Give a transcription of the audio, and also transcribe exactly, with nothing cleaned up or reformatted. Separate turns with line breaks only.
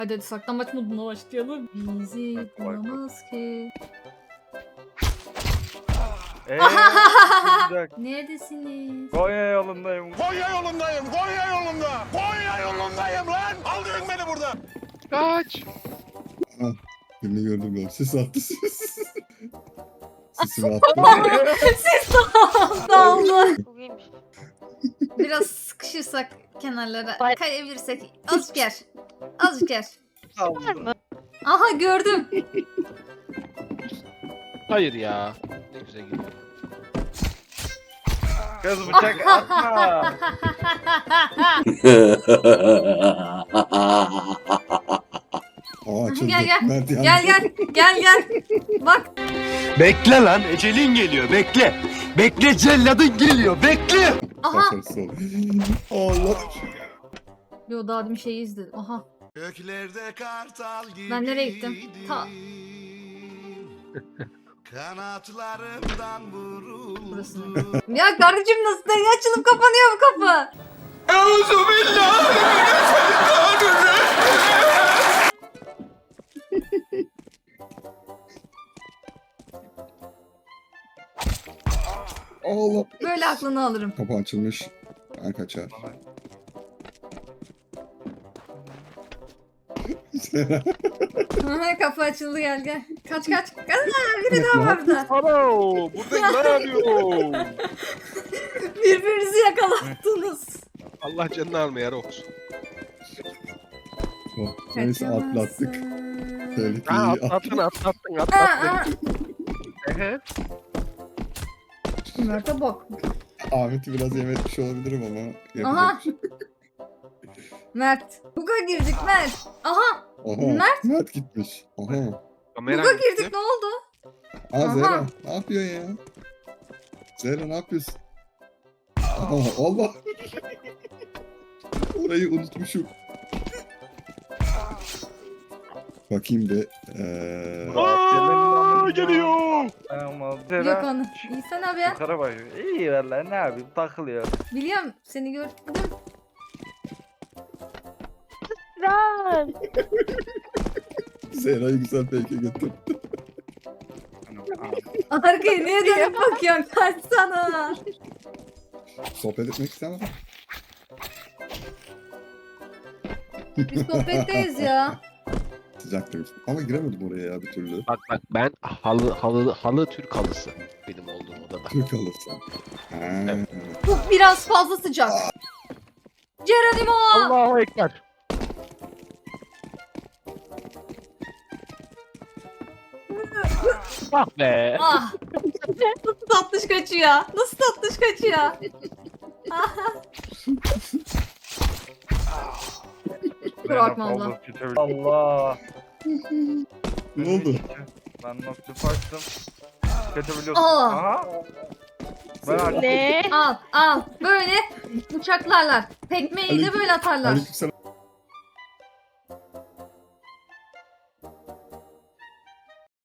Hadi hadi saklambaç moduna başlayalım. Bizi bulamaz ki.
Eee
Neredesiniz?
Konya yolundayım.
Konya yolundayım, Konya yolunda. Konya yolundayım lan. Aldırın beni buradan.
Kaç.
Birini gördüm ben. Ses attı ses. Sesimi attı.
Ses dağıldı.
Çok iyiymiş.
Biraz sıkışırsak kenarlara
Bay-
kayabilirsek azıcık yer. Azıcık yer.
Var mı?
Aha gördüm.
Hayır ya. Ne güzel gidiyor.
Kız bıçak atma.
Aa açıldı.
Gel, gel.
Mert yandı.
Gel gel gel gel. Bak
Bekle lan, ecelin geliyor, bekle. Bekle, celladın geliyor, bekle.
aha.
Başarısız oldu. Allah.
Yo daha demin şeyi izledim. Aha.
Göklerde kartal gibi.
Ben nereye gittim? Ta
Kanatlarımdan vuruldum.
burası. Ya kardeşim nasıl da açılıp kapanıyor bu kapı?
Allah.
Böyle aklını alırım.
Kapı açılmış. Ben kaçar.
Aha, kapı açıldı gel gel. Kaç kaç. Kaç. Aa, biri daha var burada.
Alo. Burada ne yapıyor?
Birbirinizi yakalattınız.
Allah canını almaya olsun.
Oh, neyse atlattık.
Kaçamazsın.
Ha,
Tehlikeyi
atlattın
atlattık.
atlattın
Aa,
atlattın.
aa.
Ehe.
Mert'e bak.
Ahmet'i biraz yem etmiş olabilirim ama. yapacak
Aha.
bir şey yok.
Mert. Buga girdik Mert. Aha.
Aha.
Mert.
Mert gitmiş. Aha.
Kamera
Buga
gitti.
girdik ne oldu?
Aa
Aha.
Zehra ne yapıyorsun ya? Zehra ne yapıyorsun? Aha Allah. Orayı unutmuşum. Bakayım bir. Ee...
Aa, geliyor.
Ama
Yok onu. İyi sen abi ya.
Yukarı bak. İyi valla ne yapayım takılıyor.
Biliyorum seni gördüm.
Lan.
Zehra'yı güzel peyke götür.
Arkaya niye dönüp bakıyorsun? Kaçsana.
Sohbet etmek istemem.
Biz sohbetteyiz ya.
Sıcaktaymış. Ama giremedim oraya ya bir türlü.
Bak bak ben halı halı halı Türk halısı benim olduğum odada.
Türk alırsan. Ha.
Evet.
Bu biraz fazla sıcak. Geronimo.
Allahu ekber. Ah be.
Ah. Nasıl tatlış kaçıyor? Nasıl tatlış kaçıyor? Bırakma Allah.
Allah.
Ne oldu?
Ben nasıl açtım. Kötü biliyorsun.
Aa.
Aha. Ben açtım.
Ne?
Al al. Böyle bıçaklarlar. Tekmeyi de
Aleyküm-
böyle atarlar.
Aleykümselam.